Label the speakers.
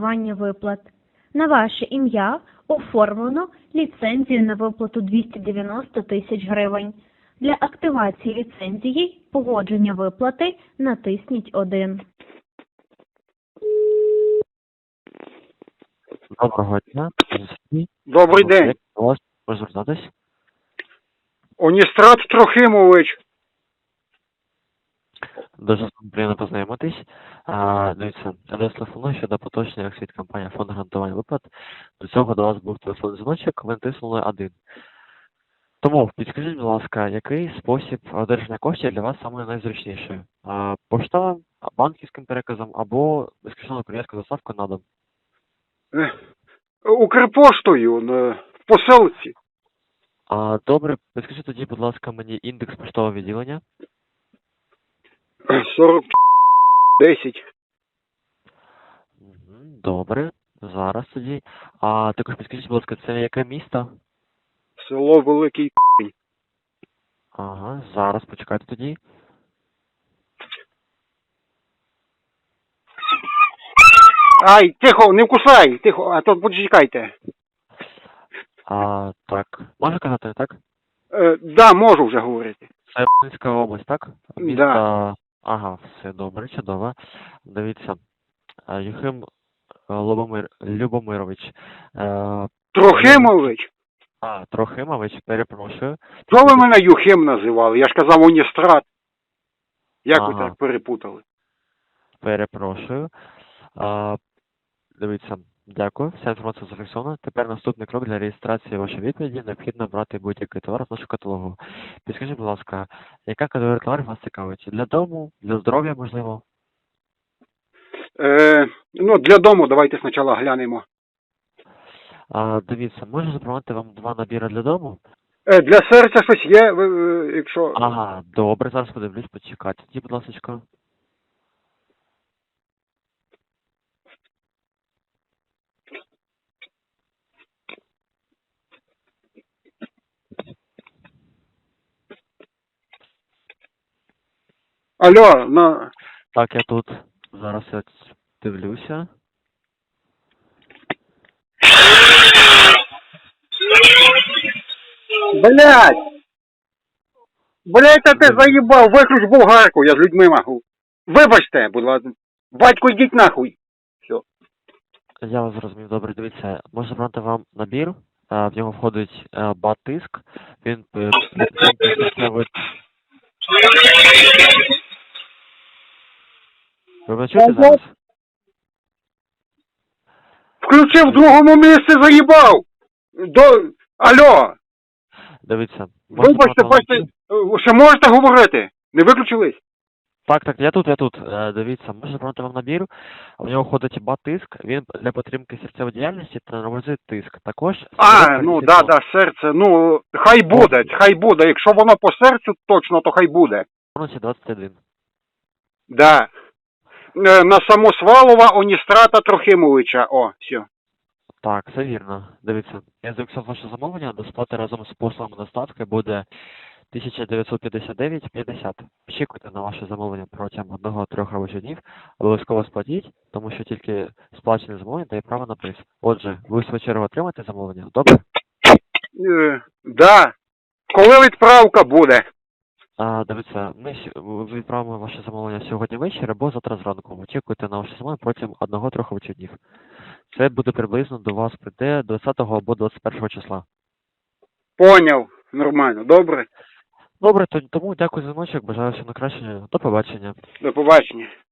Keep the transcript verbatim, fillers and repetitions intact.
Speaker 1: гарантування виплат. На ваше ім'я оформлено ліцензію на виплату двісті дев'яносто тисяч гривень. Для активації ліцензії погодження виплати натисніть один.
Speaker 2: Доброго дня.
Speaker 3: Добрий день.
Speaker 2: До вас можу звертатись?
Speaker 3: Оністрат Трохимович.
Speaker 2: Дуже приємно познайомитись. А, дивіться, я до вас телефоную щодо поточних від компанії фонд гарантування виплат. До цього до вас був телефонний дзвіночок, ви натиснули один. Тому підскажіть, будь ласка, який спосіб одержання коштів для вас саме найзручніший? А, поштовим, банківським переказом або безкоштовною кур'єрською доставкою на дом?
Speaker 3: Е, Укрпоштою на- в посилці.
Speaker 2: А, добре, підскажіть тоді, будь ласка, мені індекс поштового відділення.
Speaker 3: сорок десять.
Speaker 2: Мгм, добре, зараз тоді. А також підскажіть, будь ласка, це яке місто?
Speaker 3: Село Великий.
Speaker 2: Ага, зараз почекайте тоді.
Speaker 3: Ай, тихо, не вкусай, тихо, а то почекайте.
Speaker 2: А, так, можу казати, так?
Speaker 3: Е, да, можу вже говорити.
Speaker 2: Це Рівненська область, так? Місто...
Speaker 3: Да.
Speaker 2: Ага, все добре, чудово. Дивіться, а, Юхим а, Лобомир... Любомирович. Е...
Speaker 3: Трохимович?
Speaker 2: А, Трохимович, перепрошую.
Speaker 3: Що ви мене Юхим називали? Я ж казав Оністрат. Як ви
Speaker 2: Ага.
Speaker 3: так перепутали?
Speaker 2: Перепрошую. А, дивіться, дякую. Вся інформація зафіксована. Тепер наступний крок для реєстрації вашої відповіді. Необхідно брати будь-який товар з нашого каталогу. Підскажіть, будь ласка, яка категорія товарів вас цікавить? Для дому, для здоров'я, можливо?
Speaker 3: Е, ну, для дому давайте спочатку глянемо.
Speaker 2: А, дивіться, можу запропонувати вам два набіри для дому?
Speaker 3: Е, для серця щось є, ви, е, якщо...
Speaker 2: Ага, добре, зараз подивлюсь, почекайте. Тоді, будь ласка.
Speaker 3: Алло, на...
Speaker 2: Так, я тут зараз я дивлюся.
Speaker 3: Блять! Блять, та ти заїбав, виключ болгарку, я з людьми можу. Вибачте, будь ласка. Батько, йдіть нахуй. Все.
Speaker 2: Я вас зрозумів, добре, дивіться. Можу забрати вам набір. А, в нього входить а, батиск. Він е, підтримує. Ви мене чуєте зараз?
Speaker 3: Включив в другому місці, заїбав. До... Алло,
Speaker 2: Дивіться. можу
Speaker 3: вибачте,
Speaker 2: забрати вам
Speaker 3: бачите,
Speaker 2: набір.
Speaker 3: е, ще можете говорити? Не виключились?
Speaker 2: Так, так, я тут, я тут. Е, Дивіться, можу забрати вам набір. В нього входить батиск. Він для підтримки серцевої діяльності та нормалізує тиск. Також...
Speaker 3: А, ну да, да, серце, ну, хай буде, хай буде. Якщо воно по серцю точно, то хай буде.
Speaker 2: двадцять один.
Speaker 3: Да. Е, На Самосвалова Оністрата Трохимовича, о, все.
Speaker 2: Так, все вірно. Дивіться, я зафіксував ваше замовлення, до сплати разом з послугами доставки буде тисяча дев'ятсот п'ятдесят дев'ять п'ятдесят. Очікуйте на ваше замовлення протягом одного-трьох робочих днів. Обов'язково сплатіть, тому що тільки сплачене замовлення дає право на приз. Отже, ви в свою чергу отримаєте замовлення, добре?
Speaker 3: Е, да. Коли відправка буде?
Speaker 2: А, дивіться, ми сю- відправимо ваше замовлення сьогодні ввечері або завтра зранку. Очікуйте на ваше замовлення протягом одного-трьох робочих днів. Це буде приблизно до вас прийде двадцятого або двадцять першого числа.
Speaker 3: Поняв. Нормально. Добре.
Speaker 2: Добре, то- тому дякую за дзвіночок, бажаю всього найкращого. До побачення.
Speaker 3: До побачення.